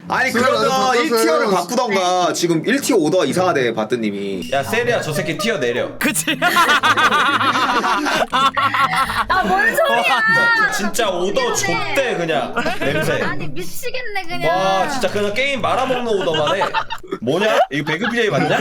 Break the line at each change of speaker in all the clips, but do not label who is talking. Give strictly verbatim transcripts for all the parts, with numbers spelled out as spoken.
아니
수혈
그러면
아주
일 티어를
바꿨어요.
바꾸던가. 지금 일 티어 오더가 이상하대 바뜨님이.
야 세리야 저 새끼 튀어 내려.
그치?
아뭔 소리야?
진짜 오더 좆대 그냥 냄새.
아니 미치겠네 그냥.
와 진짜 그냥 게임 말아먹는 오더만 해. 뭐냐? 이거 배그 비제이 맞냐?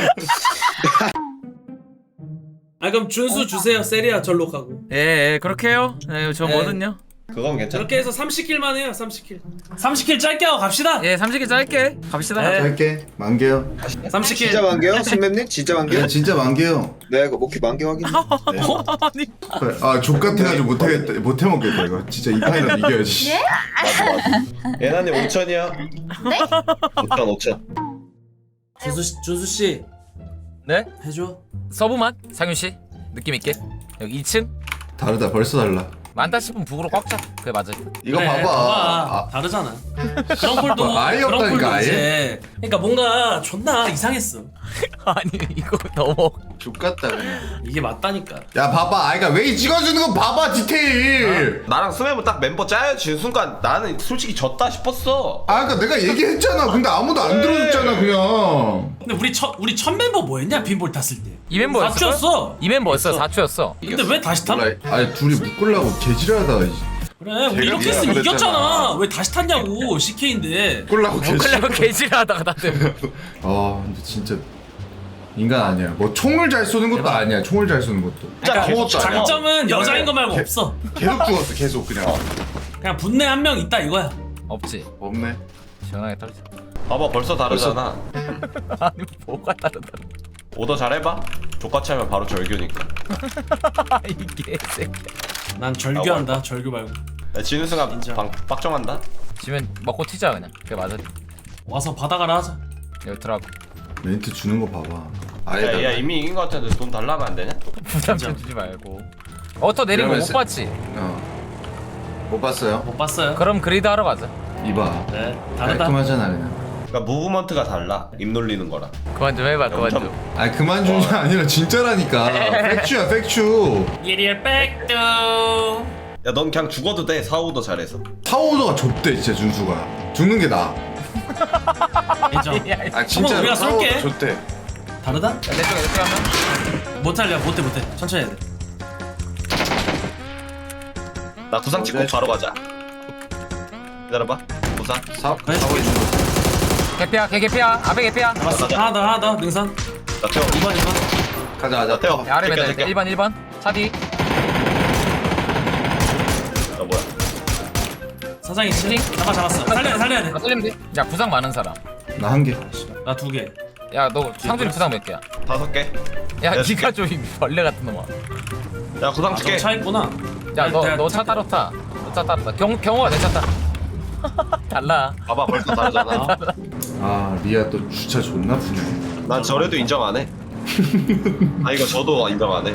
아 그럼 준수 주세요. 세리아 절로 가고.
예, 예 그렇게 해요. 예, 저
네.
뭐든요.
그건 괜찮아.
저렇게 해서 삼십 킬만 해요. 삼십 킬. 삼십 킬 짧게 하고 갑시다.
예, 삼십 개 짧게 갑시다.
네.
할게 만개요.
삼십 킬.
진짜 만개요? 신맵님 진짜 만개요?
네 진짜 만개요.
네, 그 오케이 만개 확인.
아니,
아 족같아가지고 못하겠다 못해 먹겠다 이거. 진짜 이 판이라도 이겨야지.
예?
맞아 맞아. 예나님 오천이야.
네?
오천 오천.
준수 씨, 준수 씨
네?
해줘.
서브만 상윤 씨 느낌 있게 여기 이 층
다르다 벌써 달라.
많다 싶으면 북으로 꽉 차. 그게 맞아.
이거
그래,
봐봐. 아,
다르잖아. 그런 꼴도
아예
그런
없다니까,
꼴도
아예?
이제. 그러니까 뭔가 존나 이상했어.
아니 이거 너무
족같다 그냥.
이게 맞다니까.
야 봐봐. 아이가 왜 찍어주는 거 봐봐 디테일.
나랑 스매브 딱 멤버 짜여진 순간 나는 솔직히 졌다 싶었어.
아 그니까 내가 얘기했잖아. 근데 아무도 안 들어줬잖아 그냥.
근데 우리 첫 우리 첫 멤버 뭐였냐? 빈볼 탔을 때.
이 멤버였어.
사 초였어.
이 멤버였어. 사 초였어.
근데 왜 다시 탔?
몰라. 아니 둘이 묶으려고 개지랄하다.
그래 우리 이렇게
제가
했으면
그랬잖아.
이겼잖아. 왜 다시 탔냐고. 씨케이인데.
묶으려고 개지랄.
그래고 개지하다가 다들.
아 근데 진짜 인간 아니야. 뭐 총을 잘 쏘는 것도 아니야. 총을 잘 쏘는 것도.
진짜
그러니까
아무것도 아니야.
장점은 여자인 거 말고
개-
없어.
계속 죽었어 계속 그냥.
그냥 분내 한 명 있다 이거야.
없지.
없네.
시원하게 떨어져.
봐봐 벌써 다르잖아.
아니 뭐가 다르다.
오더 잘해봐. 족같이 하면 바로 절규니까.
이게 새끼.
난 절규한다. 절규 말고.
야, 지는 순간
인정.
방, 빡정한다.
지면 먹고 튀자 그냥. 그게 맞아.
와서 받아가라 하자.
여기 들어가고
멘트 주는 거 봐봐.
야,
아예
야 이미 이긴 거 같은데 돈 달라면 안 되냐?
부담 좀 주지 말고. 어터 내린 거 못
이러면서-
봤지?
어. 못 봤어요?
못 봤어요.
그럼 그리드 하러 가자.
이봐.
네 다르다.
깔끔하잖아 그냥.
그러니까 무브먼트가 달라. 입 놀리는 거랑.
그만 좀 해봐. 그만
엄청-
좀.
아니 그만 주는 게 아니라 진짜라니까. 팩츄야 팩츄.
예리얼 백두.
야 넌 그냥 죽어도 돼. 사오더 잘해서.
타오더가 좁대 진짜 준수가. 죽는 게 나아.
인정.
아 진짜
우리가 쏠게.
좁대.
다르다?
내 쪽에 내 쪽에 하면.
못 할려. 못해 못해. 천천히 해야 돼.
나 구상 찍고 바로 가자. 기다려봐. 구상.
사업
그래.
사업해 주는 거.
개피야, 개 개피야. 앞에 개피야.
잡았어.
가자.
하나 더 하나 더 능선.
나 태워.
이 번 이 번.
가자
나
가자.
태워.
야, 아래
제껴,
매달
제껴.
일 번 일 번. 차 뒤.
어 뭐야?
사장이 칠링. 잡아 잡았어. 살려야 돼 살려야 돼.
나 쏠리면 돼. 야, 부상 많은 사람.
나 한 개.
나 두 개.
야, 너 상준이 부상 몇 개야?
다섯 개.
야,
야,
니가 좀 이 벌레 같은 놈아.
야 구상
아,
줄게.
저차 있구나.
야, 너
내가
너 차
탈게.
따로 타. 너 차 따로 타. 경 경호가 내 차 타. 달라.
봐봐 벌써 다르잖아.
아 리아 또 주차 존나 푸네.
난 저래도 인정 안 해. 아 이거 저도 인정 안 해.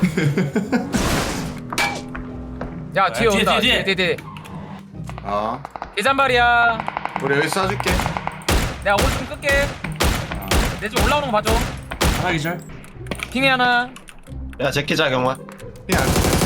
야, 뒤에
뒤에,
온다.
뒤에,
뒤에 뒤에.
아
계산발이야.
우리 여기 쏴줄게.
내가 오좀 끌게. 내 집 올라오는 거 봐줘.
하나 기절.
핑이 하나.
야 제키자 경화.
야.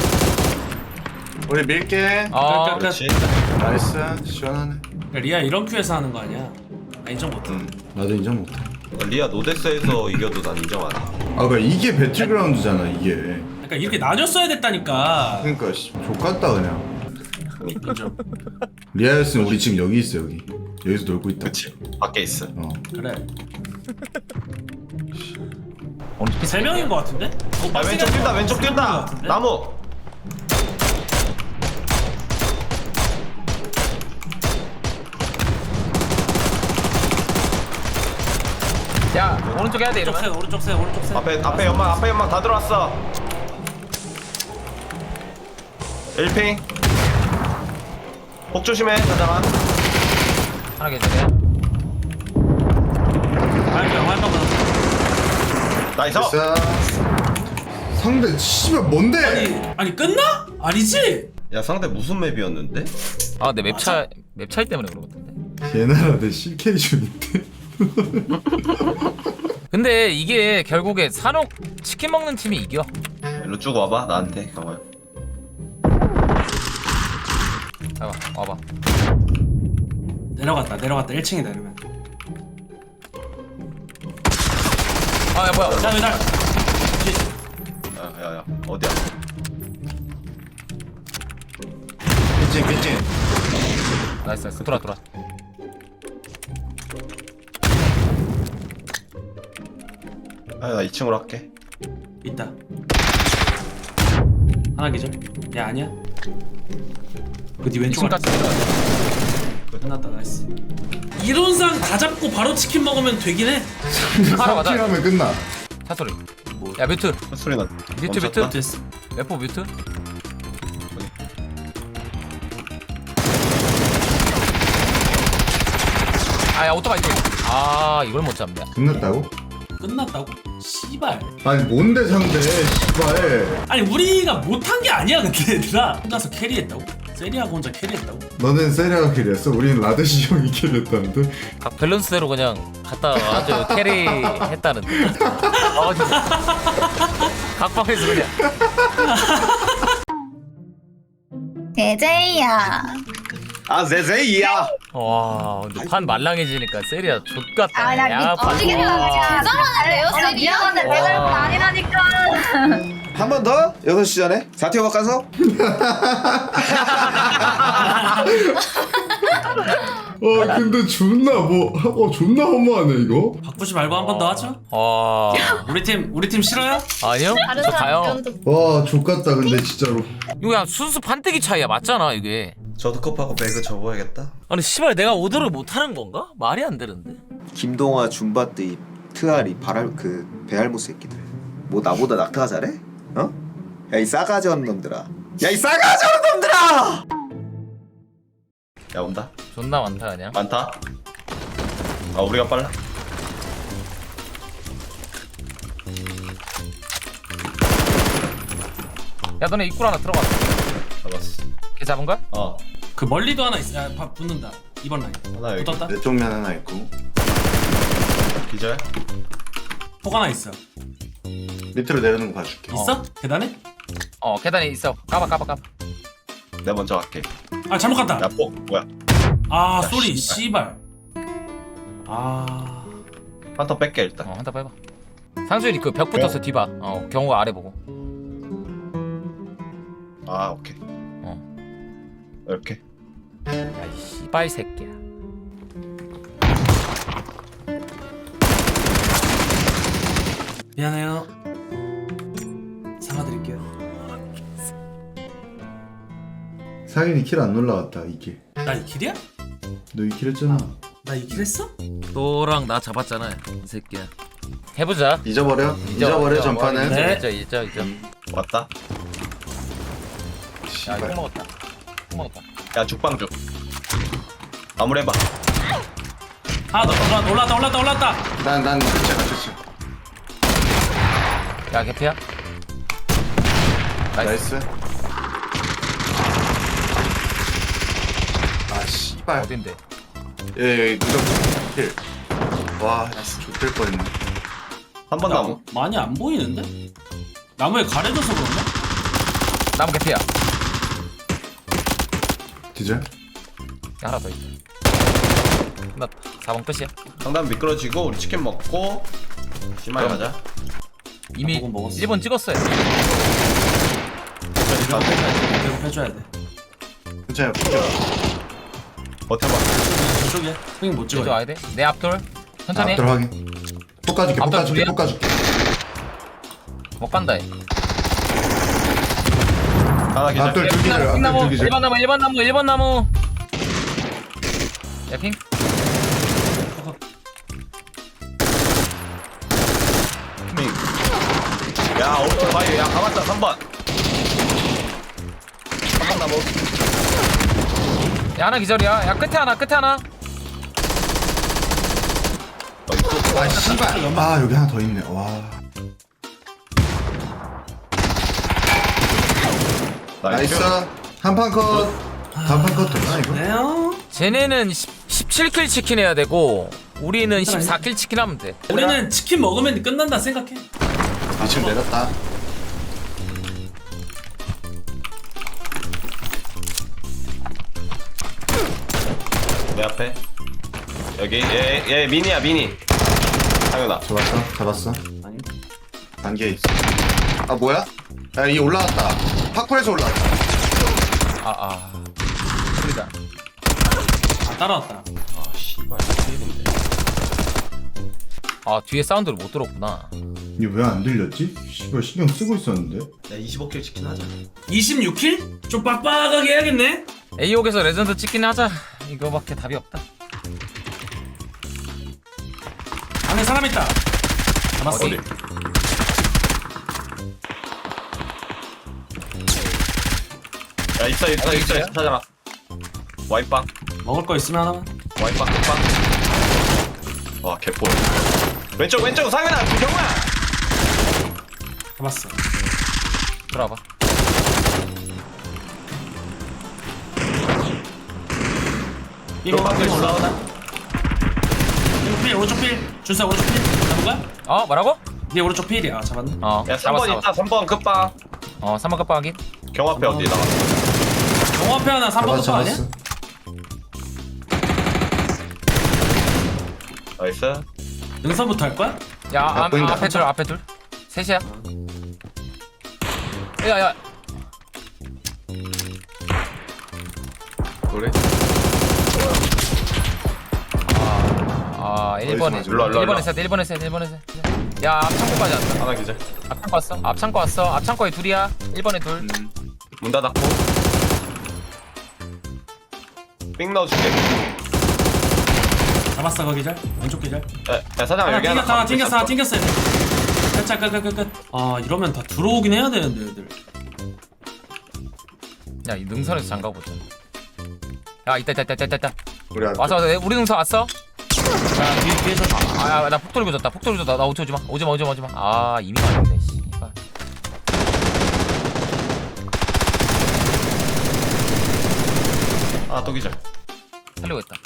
우리 밀게.
어.
끝, 끝, 끝.
그렇지.
나이스 시원하네.
야, 리아 이런 큐에서 하는 거 아니야? 나 인정 못해.
응. 나도 인정 못해.
리아 노데스에서 이겨도 난 인정 안 해.
아 그러니까 이게 배틀그라운드잖아 이게.
그러니까 이렇게 나뉘었어야 됐다니까.
그러니까 씨, 족같다 그냥.
인정.
리아였으면 우리 지금 여기 있어 여기. 여기서 놀고 있다.
그치. 밖에 있어.
어.
그래.
오늘
세 명인 거 같은데? 어,
야 왼쪽 뛴다 왼쪽 뛴다. 나무.
야, 오른쪽 해야 돼
오른쪽 세
이러면.
오른쪽 세 오른쪽 세.
앞에 앞에 연막 앞에 연막 다 들어왔어. 일 핑. 폭 조심해 사장아.
하나 계절이야.
화염병 화염병.
나이스.
됐어. 상대 씨발 뭔데?
아니 아니 끝나? 아니지?
야 상대 무슨 맵이었는데?
아, 내 맵차 맵 차이 때문에 그런 것 같은데.
얘나라 내 씨케이 중인데.
근데 이게 결국에 산옥 치킨 먹는 팀이 이겨.
일로 쭉 와봐 나한테 경호야.
봐봐, 와봐.
내려갔다 내려갔다 일 층이다 이러면.
아야 뭐야?
자 매달.
야야야 어디야?
삐찐 삐찐.
나이스 나이스. 돌아 돌아.
아나 이 층으로 할게.
있다. 하나 기절. 야 아니야. 그뒤 왼쪽
왼쪽까지 들어가.
끝났다. 나이스. 이론상 다 잡고 바로 치킨 먹으면 되긴 해.
하나 맞아.
킬하면 끝나.
차 소리. 야 뮤트.
소리 나.
뮤트
멈췄다?
뮤트.
됐어.
래퍼 뮤트. 아야 오토바이 또. 아 이걸 못 잡냐.
끝났다고?
끝났다고? 씨발.
아니 뭔데 상대 씨발.
아니 우리가 못한 게 아니야 근데 얘들아. 혼자서 캐리했다고? 세리하고 혼자 캐리했다고?
너는 세리아가 킬했어? 우리는 라데시 형이 킬했다는데?
각 밸런스대로 그냥 갔다 아주 캐리했다는데. 어 진짜. 각방에서 그냥.
제제이야.
아 제제이야.
와 근데 판 말랑해지니까 세리야 족같다.
아나
야, 판.
미치게 잘하는데요, 세리. 미안한데 내가 이런 거 아니라니까.
한 번 더? 여섯 시 전에? 사티오 바꿔서?
와 근데 존나 뭐 어 존나 허무하네 이거.
바꾸지 말고 한 번 더 하죠.
와
우리 팀 우리 팀 싫어요?
아니요?
다른
저
사람
가요.
의견도
와 족같다 근데 진짜로.
이거 그냥 순수 판때기 차이야 맞잖아 이게.
저도 컵하고 배그 접어야겠다.
아니 씨발 내가 오더를 못하는 건가? 말이 안 되는데.
김동화, 줌바뜨이, 트아리, 바랄 그 베알모 새끼들. 뭐 나보다 낙타가 잘해? 어? 야 이 싸가지 없는 놈들아. 야 이 싸가지 없는 놈들아!
야 온다.
존나 많다 그냥.
많다. 아 우리가 빨라.
야 너네 입구로 하나 들어가.
잡았어.
걔 잡은 거야?
어
그 멀리도 하나 있어. 야, 밥 붙는다. 이번 라인.
하나 여기.
붙었다.
내 쪽면 하나 있고
기절.
폭 하나 있어.
밑으로 내려놓는 거 봐줄게.
있어? 계단에?
어 계단에 있어. 까봐 까봐 까봐.
내가 먼저 갈게.
아 잘못 갔다.
야 뽀. 뭐야?
아
야,
쏘리
씨발.
씨발. 아
한턴 뺄게 일단.
어 한타 빼봐. 상수일이 그 벽 붙어서 뒤봐. 어 경호가 아래 보고.
아 오케이.
어.
이렇게.
야이 씨발 새끼야.
미안해요. 사과드릴게요.
상인이 킬 안 올라왔다 이게.
나 이 킬이야?
너 이 킬 했잖아.
나 이 킬 했어?
너랑 나 잡았잖아 이 새끼야. 해보자.
잊어버려? 잊어버려 전파는?
네.
잊어 잊어 잊어.
왔다.
야 이거 먹었다. 형 먹었다.
야 죽방죽. 마무리해봐.
하나 더 올라왔다 올라왔다 올라왔다 올라왔다.
난난 그치 맞췄어.
야 개피야. 나이스.
나이스. 아 씨발.
어딘데?
예 누가 킬. 와 좋될 뻔했네.
한 번 남은.
많이 안 보이는데? 나무에 가려져서 그런가?
나무 개피야.
디젤?
야, 하나 더 있다. 끝났다. 사 번 끝이야.
상담 미끄러지고 우리 치킨 먹고 심하게 가자.
이미
먹은 먹었어.
일 번 찍었어요.
계속 해줘야 돼.
괜찮아 풀려.
버텨봐.
저쪽이야. 형님 못
이쪽
찍어요.
와야 돼. 내 앞돌. 천천히.
앞들 확인. 볶아줄게
앞들
볶아줄게
둘이야?
볶아줄게.
못 간다. 얘.
하나 기절.
앞들 두 기절 앞들
나무.
두 기절.
일 번 나무. 일 번 나무. 일 번 나무. 야 핑.
야 오른쪽 바위. 야 가봤다 삼 번. 삼 번 나무.
야 하나 기절이야. 야 끝에 하나. 끝에 하나.
어 이쪽.
아 씨발. 아 여기 하나 더 있네. 와. 나이스. 한판 컷. 단판 컷 되나 이거?
네요.
쟤네는 십칠 킬 치킨 해야 되고 우리는 십사 킬 치킨 하면 돼.
우리는 치킨 먹으면 끝난다 생각해.
이 층 내렸다.
내 앞에. 여기 얘 얘 미니야 미니. 상윤아.
잡았어 잡았어.
아니
단계에 있어. 아 뭐야? 야 이게 올라왔다. 파쿠에서 올라왔다.
아아 소리다.
아 따라왔다.
아 씨발 피해인데.
아 뒤에 사운드를 못 들었구나.
이게 왜 안 들렸지? 씨발 신경 쓰고 있었는데.
야 이십오 킬 치킨 하자.
이십육 킬? 좀 빡빡하게 해야겠네.
에이옥에서 레전드 찍긴 하자. 이거밖에 답이 없다.
안에 사람 있다. 잡았어.
어디?
야 있어 있어
어디
있어
있어요?
있어 찾아라. 와이빵
먹을 거 있으면 하나만.
와이빵 끝빵. 와 개뽀. 왼쪽 왼쪽 상현아 경우야.
잡았어.
들어와봐.
이거
방금 올라오나?
오른쪽 필 오른쪽 필. 준사 오른쪽 필. 잡은 거야?
어 뭐라고?
네 오른쪽 필이야. 아, 잡았네.
어
야 삼 번 있다. 삼 번 끝빵.
어 삼 번 깜빡 확인.
경호 앞에 어디 나와?
영어 앞에 하나 삼 번
잡았어,
거 아니야?
잡았어.
나이스.
능선부터 할 거야?
야
야,
아,
보인다.
앞에 둘 앞에 둘. 셋이야. 야야.
그래?
아 일 번에
어디서
일로 와, 일로 와,
일 번에
일로
셋 일 번에 셋 일 번에 셋. 야 앞창고까지 왔다.
하나 기절.
앞창고 왔어. 앞창고 왔어. 앞창고에 둘이야. 일 번에 둘.
음. 문 닫았고. 삥 넣어줄게.
잡았어 거기 잘. 왼쪽 기절.
야, 야 사장
하나
여기 하나
튕겼어 하나
감고
튕겼어 하나
있었어.
튕겼어야 돼. 살짝 끝끝끝끝. 아 이러면 다 들어오긴 해야 되는데 애들.
야이 능선에서 장가 보자. 야 있다 있다 있다 있다 있다.
우리 앞에.
왔어 왔어. 우리 능선 왔어.
자 뒤, 뒤에서
아나 폭 돌리고 졌다. 폭 돌리고 졌다. 나 오지 오지 마. 오지 마 오지 마 오지 마. 아 이미 맞았네. 씨발.
아또 기절.
살리고 있다.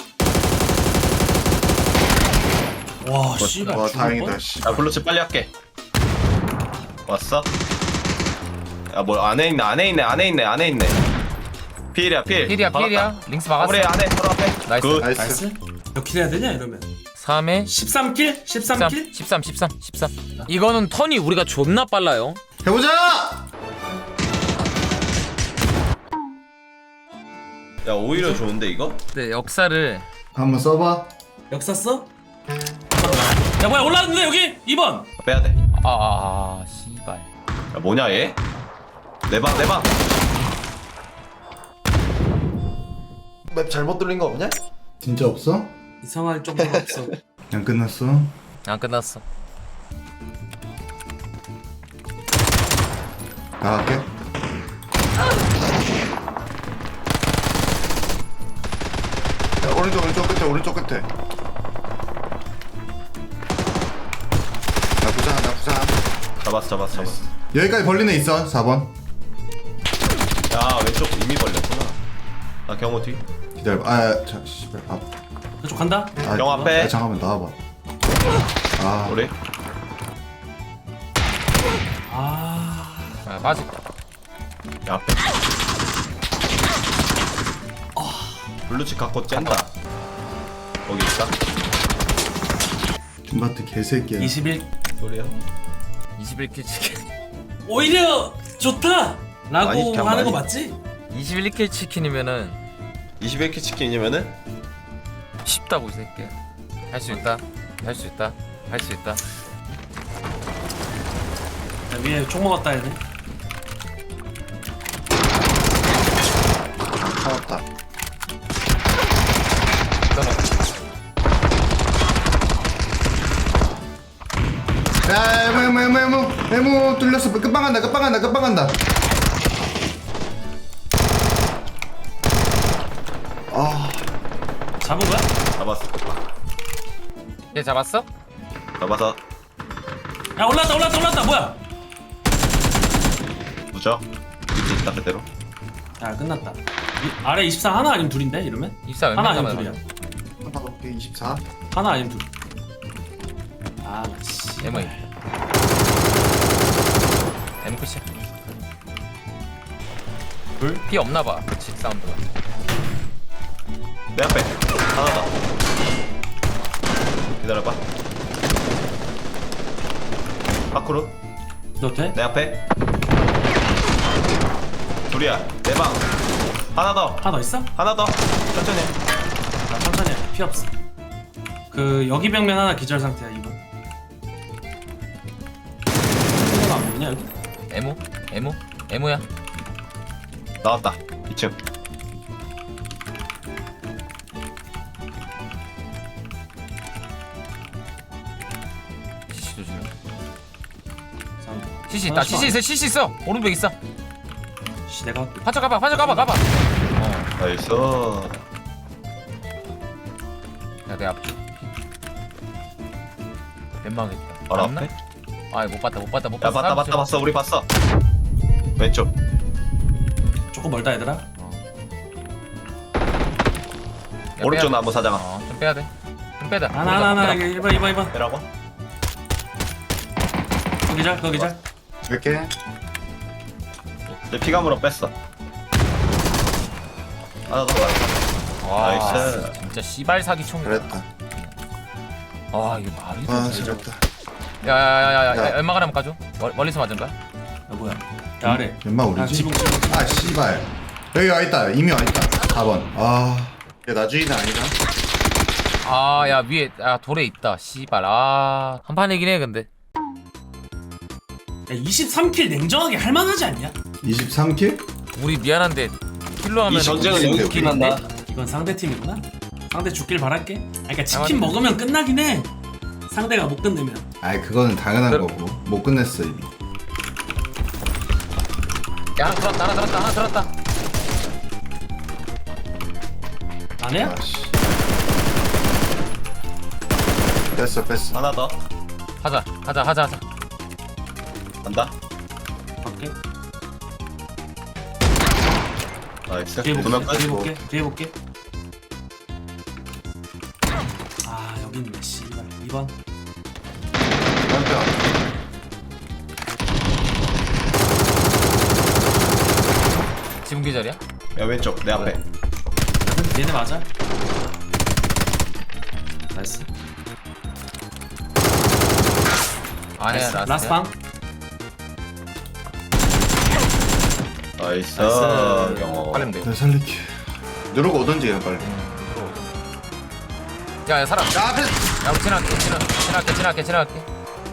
와 씨발.
와
죽을
다행이다.
뻔?
씨.
야 블루칩 빨리 할게. 왔어? 야 뭐 안에 있네 안에 있네 안에 있네 안에 있네. 필이야 필.
필이야
받았다.
필이야. 링스 막았어.
우리 안에 바로 앞에.
나이스.
굿.
나이스.
나이스. 몇 킬 해야 되냐 이러면?
삼에
십삼 킬? 십삼 킬?
십삼 십삼 십삼. 이거는 턴이 우리가 존나 빨라요.
해보자.
야 오히려 좋은데 이거?
네 역사를
한번 써봐.
역사 써? 야 뭐야 올라왔는데 여기 이 번.
빼야 돼.
아, 아, 아 씨발.
야 뭐냐 얘? 내방 내방. 맵 잘못 돌린 거 없냐?
진짜 없어?
이상할 정도가 없어.
안 끝났어.
안 끝났어.
나갈게. 야, 오른쪽 오른쪽 끝에 오른쪽 끝에. 나 부상 나 부상.
잡았어 잡았어 잡았어.
여기까지 벌린 애 있어. 사 번.
야 왼쪽 이미 벌렸구나. 나 경호 뒤.
기다려봐. 아, 자, 씨발. 아,
이쪽 간다.
아,
경 앞에.
아, 잠깐만 나와봐. 아,
우리
아
아, 빠질.
야 앞에. 블루칩 갖고 짠다. 거기 있다.
줌바트 개새끼야.
이십일.
소리야.
이십일 킬 치킨.
오히려 좋다. 라고
많이 시켜,
하는 거
많이.
맞지?
이십일 킬 치킨이면은
이십일 킬 치킨이면은
쉽다고 이 새끼야. 할 수 있다. 할 수 있다. 할 수 있다.
야, 위에 총 먹었다 얘네.
차왔다. 야, 에모 에모 에모 에모 에모 뚫렸어. 끝방 간다. 끝방 간다. 끝방 간다. 아,
잡은 거야?
잡았어.
얘 잡았어?
잡아서
야 올랐다 올랐다 올랐다 뭐야?
무적. 밑에 있다 그대로.
야 끝났다. 이, 아래 이십사 하나 아니면 둘인데 이러면?
입사
하나
웬만하면
아니면 둘이야.
한번 볼게. 이십사.
하나 아니면 둘. 아 씨.
에모이. 에모 끝이야.
둘?
피 없나봐. 그치 사운드가.
내 앞에 하나 더. 기다려봐. 밖으로.
너 돼?
내 앞에 둘이야. 내 방 하나 더
하나 더 있어?
하나 더 천천히.
나 천천히 해. 피 없어. 그 여기 벽면 하나 기절 상태야 이번. 이거 안 보이냐 여기?
에모 에모 에모야.
나왔다 이 층.
시시 조심해.
사운드.
시시 있다.
하나씩
시시 있어. 시시 있어. 오른쪽 있어.
씨 내가 할게.
판쳐 가봐. 판쳐 가봐. 가봐. 어.
나이스.
야, 내 앞. 웬망했다.
바로 앞에.
아, 못 봤다. 못 봤다. 못
야
봤어.
봤다 봤다 봤어. 우리 봤어. 왼쪽.
조금 멀다 얘들아.
오른쪽 나무 사장아.
어, 좀 빼야 돼. 좀 빼다.
하나 하나 하나 여기 일 번 이 번 이 번.
빼라고?
거기 잘 거기 잘.
이렇게
내 피감으로 뺐어. 하나 더.
와,
나이스.
진짜 씨발 사기 총.
잘했다.
아, 이게 말이
아
돼.
잘했다.
야야야야,
야.
연막 하나 가져. 멀- 멀리서 맞은 거야?
야 뭐야? 야 아래.
연마
아
우리지?
지붕 지붕.
아 씨발. 여기 와 있다. 이미 와 있다. 사 번. 아. 야 나주인은 아니다.
아, 야 위에 아 돌에 있다. 씨발. 아, 한 판이긴 해 근데.
야 이십삼 킬 냉정하게 할만하지 않냐?
이십삼 킬?
우리 미안한데 킬로 하면
이 전쟁은
우리
여기서 끝난다.
이건 상대 팀이구나. 상대 죽길 바랄게. 아, 그러니까 치킨 먹으면 끝나긴 해. 상대가 못 끝내면.
아이 그거는 당연한
그럼-
거고 못 끝냈어 이미.
야, 하나 들었다. 하나 들었다. 하나 들었다.
안 해요?
아씨. 뺐어 뺐어.
하나 더.
하자. 하자. 하자. 하자.
간다.
갈게.
나이스.
뒤에
두명
볼게. 뒤에
까지고.
볼게. 뒤에 볼게. 아 여기 있네. 씨발. 이 번.
깜짝.
지금 기절이야?
야 왼쪽 내 앞에.
얘네 맞아? 나이스.
아니야,
나이스.
라스트야.
라스트 방.
나이스.
나이스.
경호.
빨리면 돼.
나 살릴게. 누르고 오던지 그냥 빨리.
야, 야, 살아.
야 앞에.
야, 우리 지나갈게. 지나, 지나갈게. 지나갈게. 지나갈게.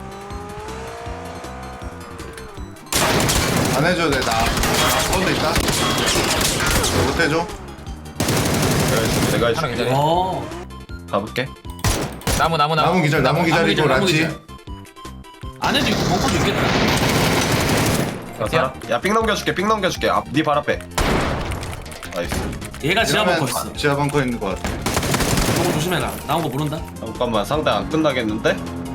안 해줘도 돼. 나. 가운데 있다. 너 못 해줘?
내가
하나
해줄게.
기절해.
어.
가볼게.
나무, 나무, 나무.
나무 기절 나무 기절이고
기절, 나무
라치.
기절. 안에도 있고 벙커도 있겠다.
야, 살아. 야, 삥 넘겨줄게. 삥 넘겨줄게. 앞, 네 발 앞에. 나이스.
얘가 지하 벙커
이러면
있어.
지하 벙커 있는 거 같아.
저거 조심해라. 나온 거 모른다.
잠깐만, 상대 안 끝나겠는데?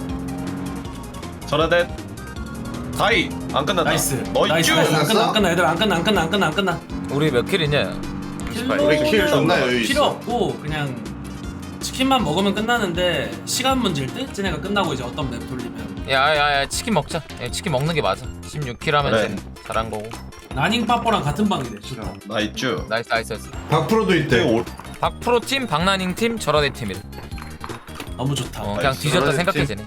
저라대. 다이 안 끝났다.
나이스.
어,
나이스.
이쭈.
나이스. 안 끝나 안 끝나 얘들 안 끝나 안 끝나 안 끝나 안 끝나.
우리 몇 킬이냐?
우리 킬 존나 여유 있어.
필요 없고 그냥 치킨만 먹으면 끝나는데 시간 문제일 때 쟤네가 끝나고 이제 어떤 맵 돌리면
야, 야, 야, 치킨 먹자. 야, 치킨 먹는 게 맞아. 십육 킬 하면
그래.
쟤는 잘한 거고.
나닝 빠뽀랑 같은 방이래. 좋다.
나 이쭈.
나이스, 나이스, 나이스.
박프로도 있대.
오,
박프로 팀, 박나닝 팀, 저라대 팀이래.
너무 좋다.
어, 그냥
나이스.
뒤졌다
저라대
생각해
팀.
쟤네.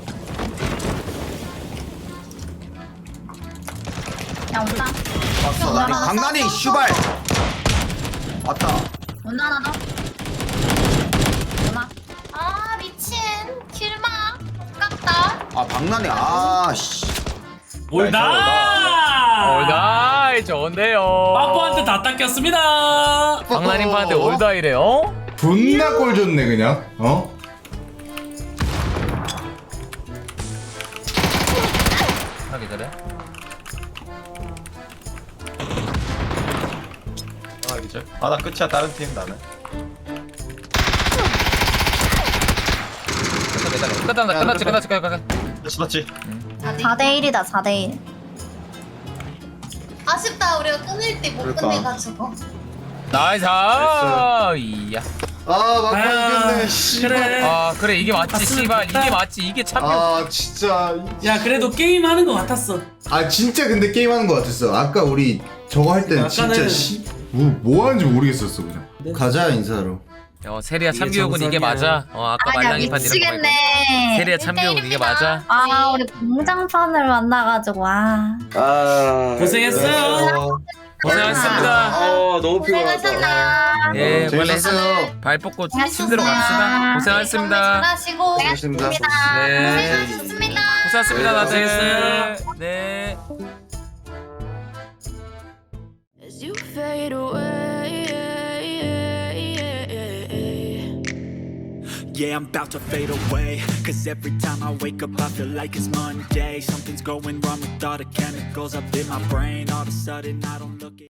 야 온다.
왔어 나니 강나니 슈발. 왔다.
온다 하나 더. 온다. 아 미친. 길막. 아깝다.
아 박나니 아씨.
올다.
올다이 좋은데요.
빠뽀한테 다 닦였습니다.
박나닝파한테 올다이래요?
존나 꼴 좋네 그냥. 어?
하나 기다려.
아, 이제. 아, 나 끝이야. 다른 팀 나는.
끝났다, 끝났지, 끝났지, 끝났지.
끝이 맞지?
사 대 일이다 사 대 일. 아쉽다 우리가 끝낼 때 못
그러니까.
끝내가지고.
나이스. 이야.
아 막판
아,
이겼네. 씨발.
그래.
아 그래 이게 맞지,
봤으면
씨발.
좋겠다.
이게 맞지, 이게 참.
아 진짜.
야 그래도 게임 하는 거 같았어.
아 진짜 근데 게임하는 거 같았어. 아까 우리 저거 할 때는 진짜
아까는-
씨. 뭐, 뭐 하는지 모르겠었어 그냥.
네.
가자 인사로.
어 세리야
이게
참교육은 이게
정석이야.
맞아. 어 아까
아니야
말랑이판 이런 거 말고.
미치겠네.
세리야 참교육은 이게 맞아.
아 우리 공장판을 만나가지고 아
아
고생했어요.
고생하셨습니다.
아 너무 피곤하다.
고생하셨나요?
예, 빨리
재밌었어요.
발 뻗고
고생하셨어요.
침대로 갑시다. 고생하셨습니다.
잘하시고
고생하셨습니다.
네.
고생하셨습니다.
고생하셨습니다, 다들.
고생했어요.
네.
As you fade away,
yeah, I'm about to fade away. Cause every time I wake up, I feel like it's Monday. Something's going wrong with all the chemicals up in my brain. All of a sudden, I don't look at